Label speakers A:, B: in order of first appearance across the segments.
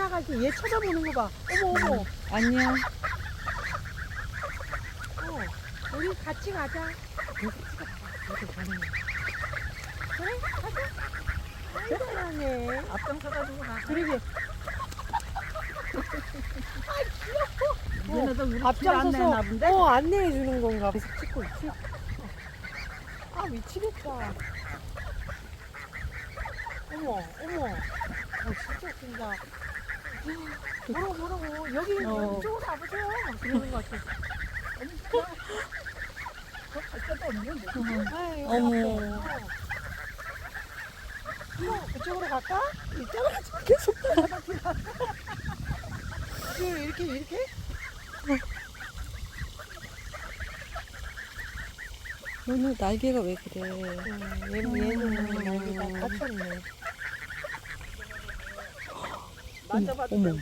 A: 지나갈 때 얘 쳐다보는 거 봐. 어머 어머.
B: 안녕.
A: 우리 같이 가자.
B: 이렇게 가는 거.
A: 그래 가자. 아이 사랑해.
B: 앞장서가지고 가.
A: 그러게.
B: 얘네도 우리 집
A: 앞장서서
B: 안내나 본데?
A: 안내해 주는 건가. 계속 찍고 있지. 아 미치겠다. 어머 어머. 진짜 웃긴다. 뭐라고 여기 이쪽으로 와보세요. 그러는 것 같아.
B: 갈 데도 없는데.
A: 아이,
B: 어머.
A: 그쪽으로 갈까? 이쪽으로 가자. 계속 이렇게?
B: 오늘 날개가 왜 그래?
A: 얘는 날개가 다쳤네.
B: 만져봐도 어머.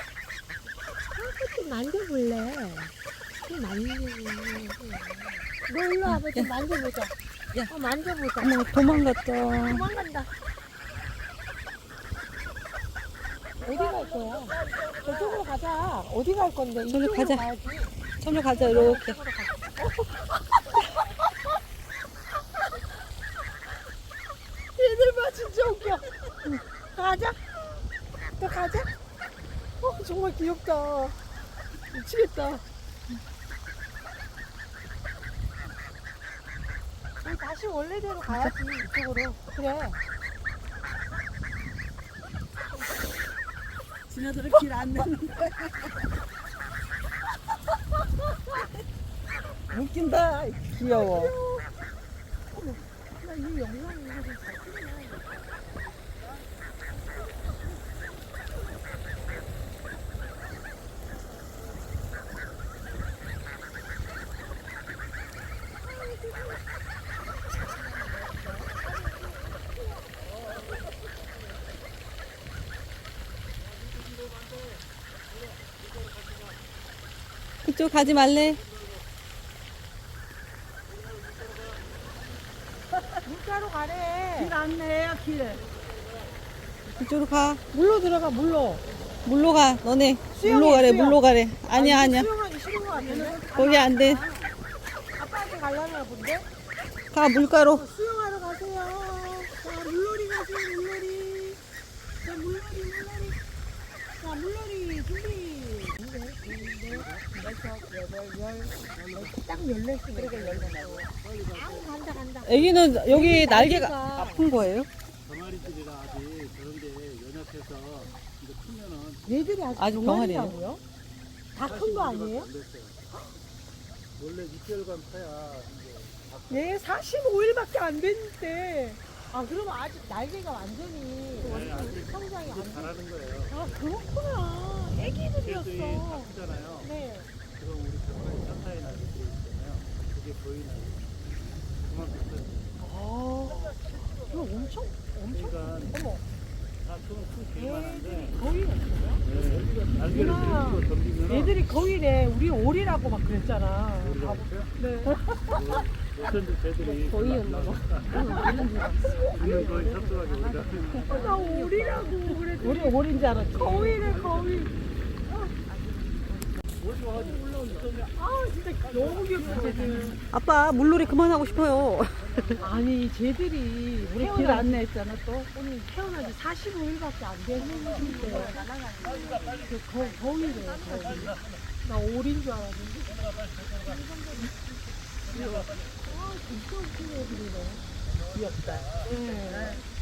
A: 좀 만져볼래. 좀 만져볼래. 너 일로 와봐. 좀 만져보자.
B: 야.
A: 만져보자.
B: 어머, 도망갔다.
A: 도망간다. 어디 갈 거야? 저쪽으로 가자. 어디 갈 건데?
B: 저기로
A: 이쪽으로
B: 가자.
A: 가야지.
B: 저리로 가자, 이렇게.
A: 얘들 봐, 진짜 웃겨. 가자. 또 가자. 정말 귀엽다. 미치겠다. 우리 다시 원래대로 가야지, 이쪽으로. 그래.
B: 지네들은 길 안 내는 거야. 웃긴다. 귀여워.
A: 나 이 영상 이거 좀 잘 찍네.
B: 그쪽 가지 말래.
A: 물가로 가래.
B: 길 안내해요, 길. 그쪽으로 가.
A: 물로 들어가, 물로.
B: 물로 가, 너네.
A: 수영해,
B: 물로 가래,
A: 수영.
B: 물로 가래. 아니야, 아니야.
A: 수영하기 싫은 거 같은데?
B: 거기 안 돼.
A: 아빠한테 가려나 본데?
B: 가, 물가로.
A: 수영하러 가세요. 자, 물놀이 가세요, 물놀이. 자, 물놀이. 자, 물놀이 준비. 딱 14시. 그러게 14시. 간다.
B: 애기는 여기 날개가
A: 날개가
B: 아픈 거예요?
C: 병아리들이라 아직 그런데 연약해서 이제 크면은
A: 얘들이 아직
B: 아직
A: 병아리라고요? 다 큰 거 아니에요?
C: 안 됐어요. 원래 6개월간 커야 이제
A: 얘 45일밖에 안 됐는데. 아, 그러면 아직 날개가 완전히
C: 네, 아직
A: 성장이 안 돼.
C: 잘하는 거예요.
A: 아, 그렇구나.
C: 새들이
A: 애기들이었어.
C: 다 크잖아요.
A: 네.
C: 그럼 우리 병아리 천사의 날이 있잖아요. 그게 보이는 그만큼 커요.
A: 아, 이거 엄청.
C: 그러니까
A: 어머.
C: 다큰 개만한데
A: 거위가 있어요?
C: 날개를
A: 누나,
C: 들고 덤비면
A: 얘들이 거위래. 우리 오리라고 막 그랬잖아.
C: 우리가 있어요?
A: 네.
C: 어쩐지 새들이
B: 거위였나 봐.
C: 우리는 거의 쳤어가지고 우리가
A: 나 오리라고 그랬더니
B: 우리 오리인 줄 알았지.
A: 거위래, 거위.
C: 어디 와가지고 올라오니까
A: 아, 진짜 너무 귀엽다, 쟤들.
B: 아빠, 물놀이 그만하고 싶어요.
A: 아니, 쟤들이
B: 우리 길 안내했잖아, 또.
A: 오늘 태어난 지 45일밖에 안 됐는데. 거위래, 거위. 나 오리인 줄 알았는데. 아, 진짜 웃긴 애들이네.
B: 귀엽다.
A: 네.